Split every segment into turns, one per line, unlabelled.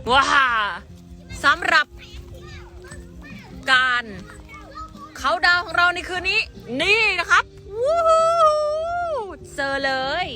ว้าสำหรับการเขาดาวของเราในคืนนี้นี่นะครับวู้ฮู้เจอเลย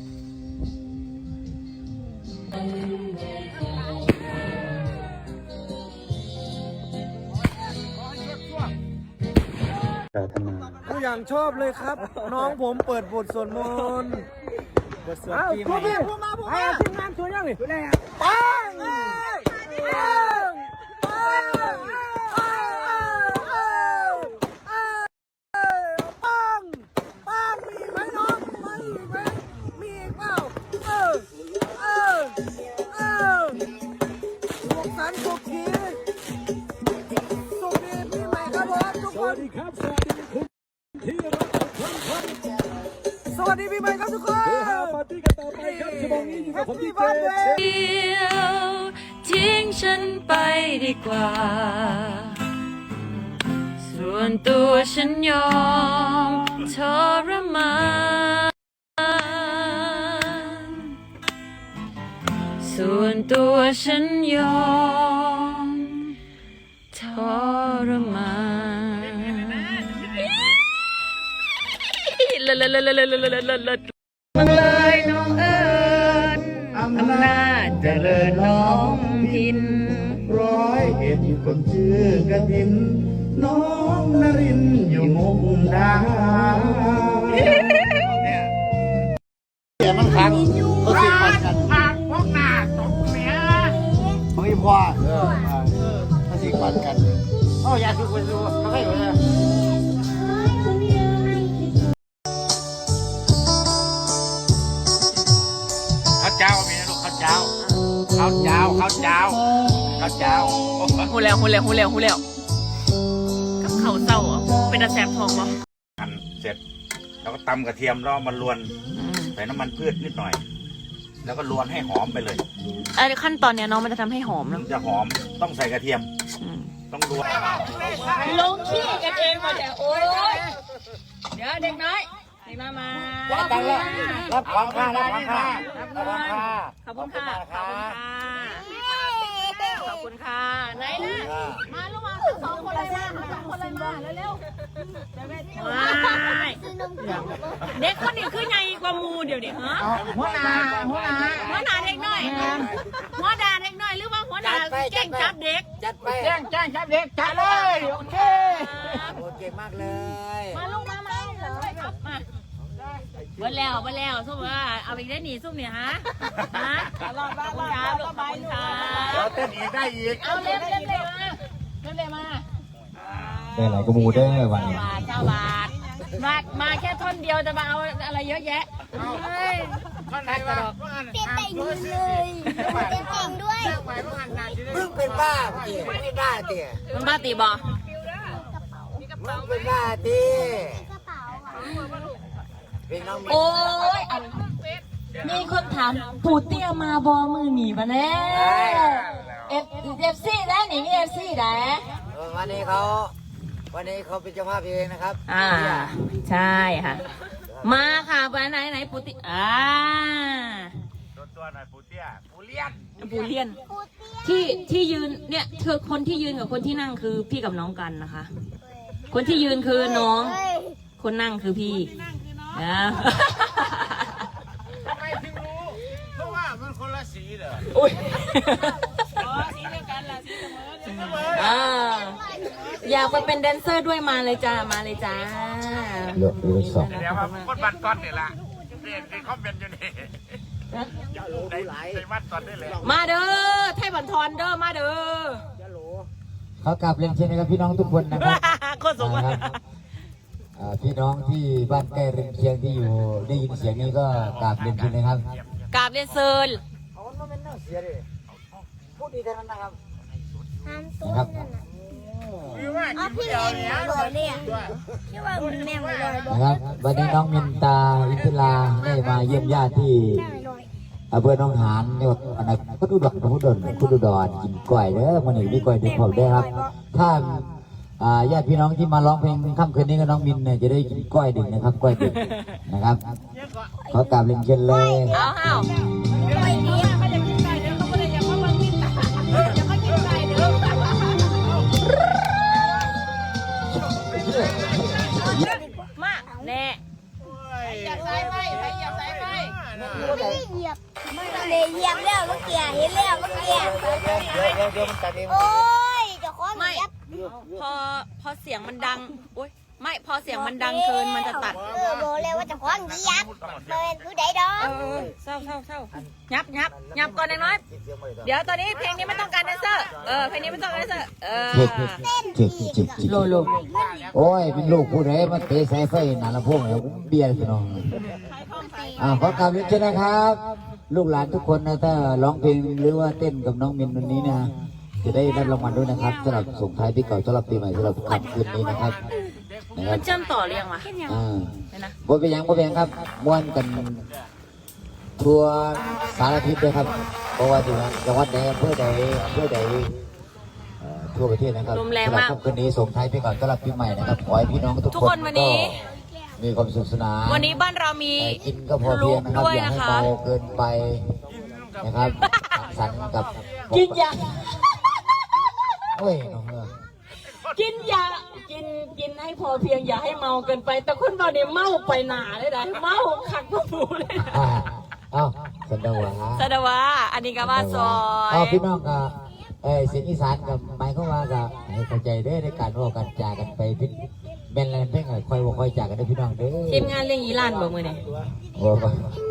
ก็อย่างชอบเลยครับ น้องผมเปิดบทสวดมนต์บทสวดปีใหม่พูดมาทีมงานสวดยังนี่ปังปังมีไหมน้องมีไหมมีเปล่าสุขสันต์สุขทีสุขดีปีใหม่ครับผมทุกคน สวัสดีปีใหม่ครับทุกคนปาร์ตี้กันต่อไปครับชั่วโมงนี้อยู่กับผมดีเจ
เดียวทิ้งฉันไปดีกว่าส่วนตัวฉันยอมทรมานส่วนตัวฉันยอมทรมานมันเลยน้องเอิญอำนาจเจริญน้องพิน
101คนชื่อกระถินน้องนรินอยู่มุกดาหารเนี่ยมันขังเขาสิมันกันพวกหน้าตกเมียของอีพ่อเขาสิมันกันอยากดูไปดูเขาให้อยู่เลยข้าวเจ้ามีนะลูกข้าวเจ้า
หูแล้วกับเขาเศร้าเป็นอาแสบทองบ่
หั่นเสร็จแล้วก็ตำกระเทียมแล้วมันลวนใส่น้ำมันพืชนิดหน่อยแล้วก็ลวนให้หอมไปเลย
ขั้นตอนเนี้ยน้องมันจะทำให้หอม
มันจะหอมต้องใส่กระเทียมต้องลวน
ลงขี้กันเองมาเดี๋ยวโอ้ยเดี๋ยวเด็กน้อยมา
รับของข้า
ขอบคุณค่ะไหนนะมาลูกมาสองคนเลยมาเร็วเด็กคนนี้คือใหญ่กว่ามูเดี๋ยวนี้ฮะหัวหน้าเด็กน้อยหัวด่าเด็กน้อยหรือว่าหัวด่าแจ้งจับเด็ก
จัดไปแจ้งจับเด็กจัดเลยโอเคมากเลย
มาลูกมาเมื่อแล้วส้มว่าเอาอีกได้หนีส้มเนี่ยฮะรอดลูก
เราเต้นอีกได้อีก
เอาเร็วมา
ได้หลายกระมูได้วันนี้
9 บาทมาแค่ท่อนเดียวจะมาเอาอะไรเยอะแยะ
ท่อนไหนวะ
เต้นแต่งเลยเต้นแต่งด้วย
เพิ่งเป็นบ้าตีไม่ได้ตี
มันบ้าตีบอ
มึงเป็นบ้าตี
โอ้ยมีคนถามปู่เตี้ยมาบอมือหนีมาแน่FCได้หนิมีFCได้
วันนี้เขาเป็นเจ้าภาพเองนะครับ
ใช่ค่ะมาค่ะไปไหนปู่เตี้ย
ตัวหน่อยปู่เตี้ยปู่เ
ลี้ยนที่ยืนเนี่ยคือคนที่ยืนกับคนที่นั่งคือพี่กับน้องกันนะคะคนที่ยืนคือน้องคนนั่งคือพี่
ทำไมถึงรู้เพราะว่ามันคนละสีเหรอ
สีเดียวกันล่ะสีเสมออยากไปเป็นแดนเซอร์ด้วยมาเลยจ้า
เลือกสอง
เดี๋ยวมาคนบันก้อนนี่ละเรียนคอมเมนต์อยู่นี่ในมัดตอนได้เลย
มาเด้อไทยบันทอนเด้อมาเด้อ
เขากลับเรียนเชิญนะครับพี่น้องทุกคนนะครับ
โคตรสม
พี่น้องที่บ้านใกล้เรือนเคียงที่อยู่ได้ยินเสียงนี้ก็กราบเรียนเชิญนะครับ
กราบเรียนเชิญ
พูดดีเท่านั้นนะครับ
นะครับ
พี่เล่นหล่อเลยที่ว่ามันแม่มาลอย
นะครับวันนี้น้องมินตาอินทิราได้มาเยี่ยมญาติที่อำเภอหนองหานจังหวัดพุทธอุดรกินกล้วยเด้อวันนี้มีกล้วยเด็กผมได้ครับถ้าญาติพี่น้องที่มาร้องเพลงค่ำคืนนี้ก็น้องมินเนี่ยจะได้กินกล้วยดึกนะครับกล้วยดึกนะครับขอกราบเรียนเชิญเลย
เอาจับสายไฟใครเหยียบสายไฟ
เหยียบเลยเหยียบแล้วเมื่อกี้เห็นแล้วเมื่อกี้
เดี๋ยวมันตัดเอง
โอ้ยเจะคล้าของ
ไม่
เหยียบ
พอเสียงมันดังโอ๊ยไม่พอเสียงมันดังเกินมันจะตัด
บอกเลยว่าเจะคล้าของเหยียบเป็นผู้ใดดอก
เศร้ายับก่อนน้อยเดี๋ยวตอนนี้เพลงนี้ไม่ต้องการแดนเซอร์เพลงนี้ไม่ต้องการแดนเซอร์
จิกโอ้ยเป็นลูกผู้ใดมาเตะสายไฟหนาละพวกแล้วเบียร์พี่น้องขอกราบเรียนเชิญนะครับ ลูกหลานทุกคนนะถ้าร้องเพลงหรือว่าเต้นกับน้องมินวันนี้นะจะได้รับรางวัลด้วยนะครับสำหรับส่งท้ายปีเก่าสำหรับปีใหม่สำหรับค่ำคืนนี้นะครับ
มันเชื่อมต่อเรียงวะ
บ่เป็นยังครับม้วนกันทั่วสารทิศเลยครับเพราะว่าจังหวัดใดอำเภอใดทั่วประเทศนะครับ
ลมแรงมาก
สำหรับค่ำคืนนี้ส่งท้ายปีเก่าสำหรับปีใหม่นะครับขอให้พี่น้องทุก
ทุก
ค
คน นวันนี้
มีความสุขสนาน
วันนี้บ้านเรามี
กินก็พอเพียงนะครับ
ด้วย
อย่า
นะ
ให้
คะ
เมาเกินไปนะครับสังสรรค์กับ
กินยา
โอ้ยน้องเอ้ย
กินยากินให้พอเพียงอย่าให้เมาเกินไปแต่คนเราเนี่ยเมาไปหนาเลยนะเมาขักกระปูเลย
เอ้าสันดาวะ
สดวะอันนี้ก็ว่าซอย
เอาพี่น้องกับเสียงอีสานกับหมายเขามว่ากับให้เข้าใจเด้อในการว่ากันจากันไปพิแม่นแลนเพ่งคอยว่าคอยจากกันเด้อพี่น้องเด้อ
ทีมงานเลี้ยงอีหลานบ่มือนี่
โอ้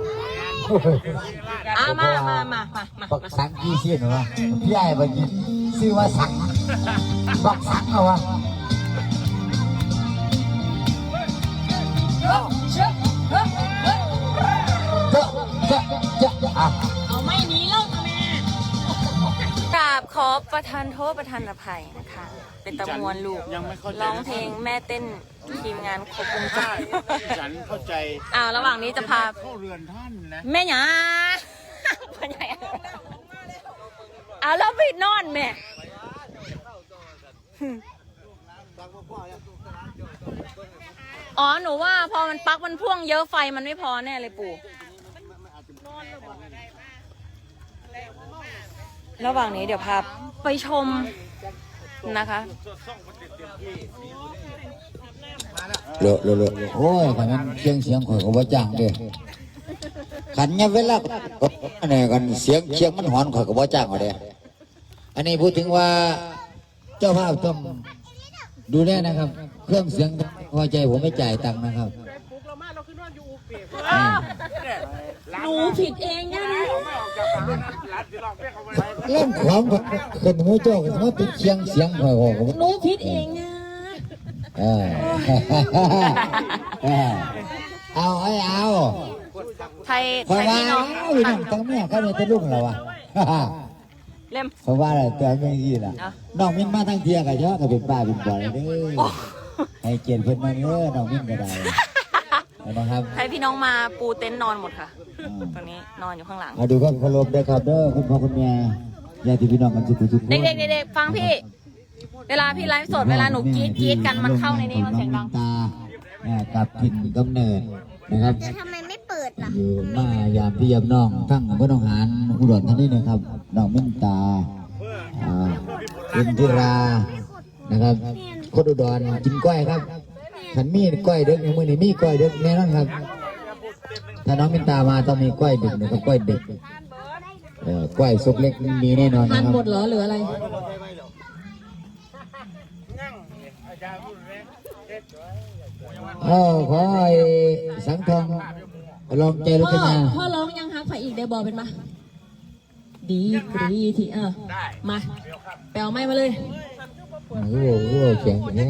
ย
มา
บักสังกี่เสียนวะพี่ไอ้บักยี่ชื่อว่าสังบักสังเหรอวะ
เอาไม่หนีแล้วแม่กราบขอประทานโทษประทานอภัยนะคะ เป็นตะมวนลูกร้องเพลงแม่เต้นทีมงานครบวงจร
ฉันเข้าใจ
ระหว่างนี้จะพา
เข้าเรือนท่านนะ
แม่หยาพ่อใหญ่แล้วไปนอนแม่หนูว่าพอมันปลั๊กมันพ่วงเยอะไฟมันไม่พอแน่เลยปู่ระหว่างนี้เดี๋ยวพาไปชมนะคะ
เลอะโอ้ยขันนั้นเสียงข่อยก็ว่าจ้างเด้ขันเนี่ยเวลาอันนี้กันเสียงมันหอนข่อยก็ว่าจ้างเอาเด้อันนี้พูดถึงว่าเจ้าภาพต้องดูแลนะครับ เครื่องเสียงพอใจผมไม่จ่ายตังค์นะครับ
หนูผิดเองนะ
เล่นของขึ้นหัวโจกมันเป็นเสียงข่อยก็
หนูผิดเองนะ
เอา
ไทย
เพราะว่า
พี่น้อง
พี่น้องตั้งแม่เขาเนี่ยจะลุ่งแล้ววะ
เล่ม
เพราะว่าอะไรตัวไม่ยี่ล่ะน้องมินมาทั้งเทียกับเยอะก็เป็นป้าเป็นบ่อยเด้อให้เกียรติเพิ่นมาเด้อน้องมินก็ได้นะครับ
ไทยพี่น้องมาปูเต็นท์นอนหมดค่ะตรงนี้นอนอยู่ข้างหลัง
มาดูความเคารพด้วยครับเด้อคุณพ่อคุณแม่ญาติพี่น้องกันทุกคน
เด็กๆฟังพี่เวลาพี่ไลฟ์สดเวลาหนูกรี๊ดกันมันเข้าในนี้มันเสียงดัง
ตากับถิ่นกำเนิดนะครับ
จะทำไมไม่เปิดล่ะ
อยู่มายามพี่ยามน้องทั้งอำเภอหนองหานอุดรธานีนะครับน้องมินตาอินทิรานะครับคนอุดรกินก้อยครับขันมีก้อยเด็กในมือนี่มีก้อยเด็กแน่นอนครับถ้าน้องมินตามาต้องมีก้อยเด็กนะครับก้อยเด็กก้อยซุกเล็กมีแน่นอนนะครับ
หมดเหรอหรืออะไร
ขอให้สังทองลองใจรจนา
พ่อร้องยังฮักไฟอีกได้บอเป็นมาดีกรีที่มาไปเอาไม้มาเลย
โอ้โหแข็งแน่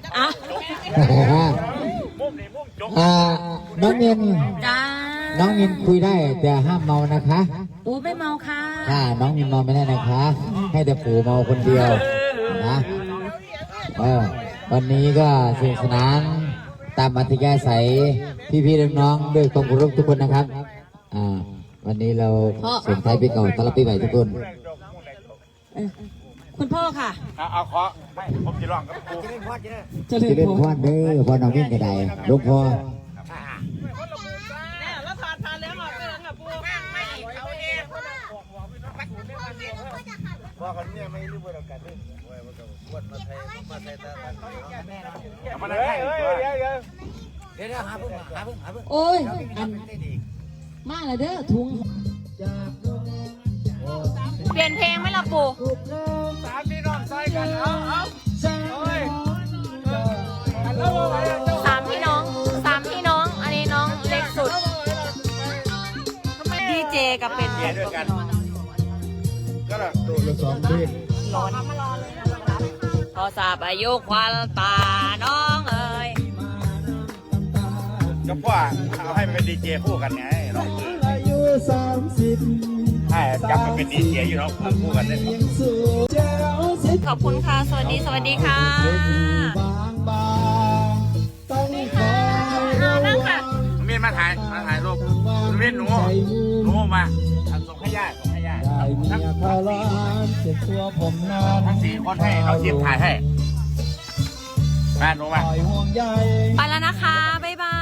น้องมิน
จ้า
น้องมินคุยได้แต่ห้ามเมานะคะ
ไม่เมาค่ะ
น้องมินเมาไม่ได้นะคะ ให้แต่ปู่เมาคนเดียวนะวันนี้ก็สนุกสนานตามอัธยาศัยพี่ๆน้องๆด้วยความเคารพทุกคนนะครับวันนี้เราส่งท้ายปีเก่าต้อนรับปีใหม่ทุกคน
คุณพ่อค่ะ
เอาขอไม่ผมจะร้องกับครู
จะ
จะเล่นพ่อเด้อพ่อน้องมินก็ได้ลูกพ่อ
ว่าคนนี้ไม่รู้ว่าเรากันด้วยมาใส่ตามาได้เดี๋ยวหาเพิ่งหาเพิ่งหาเพิ่ง
โอ้ยอันมาเลยเด้อถุงเปลี่ยนเพลงไหมล่ะปู่
สามพี่น้องซอยกันเอาโอ้ย
สามพี่น้อง อันนี้น้องเล็กสุดดีเจกับเป็น
เดี๋ยวด้วยกันก็แบบ
พอทราบอายุควันตาน้องเอ๋ย
ก็พ่อเอาให้มันเป็นดีเจคู่กันไงน้อง
อายุ30
ให้จับมันเป็นดีเจอยู่น้องคู่กันได้ไหม
ขอบคุณค่ะ สวัสดีค่ะ นั่งค่ะ
มีนมาถ่ายรูปมีนหนูมาส่งให้ญาติทั้งสี่คนให้เราทีมถ่ายให้มาหนูมา
ไปแล้วนะคะ บ๊ายบาย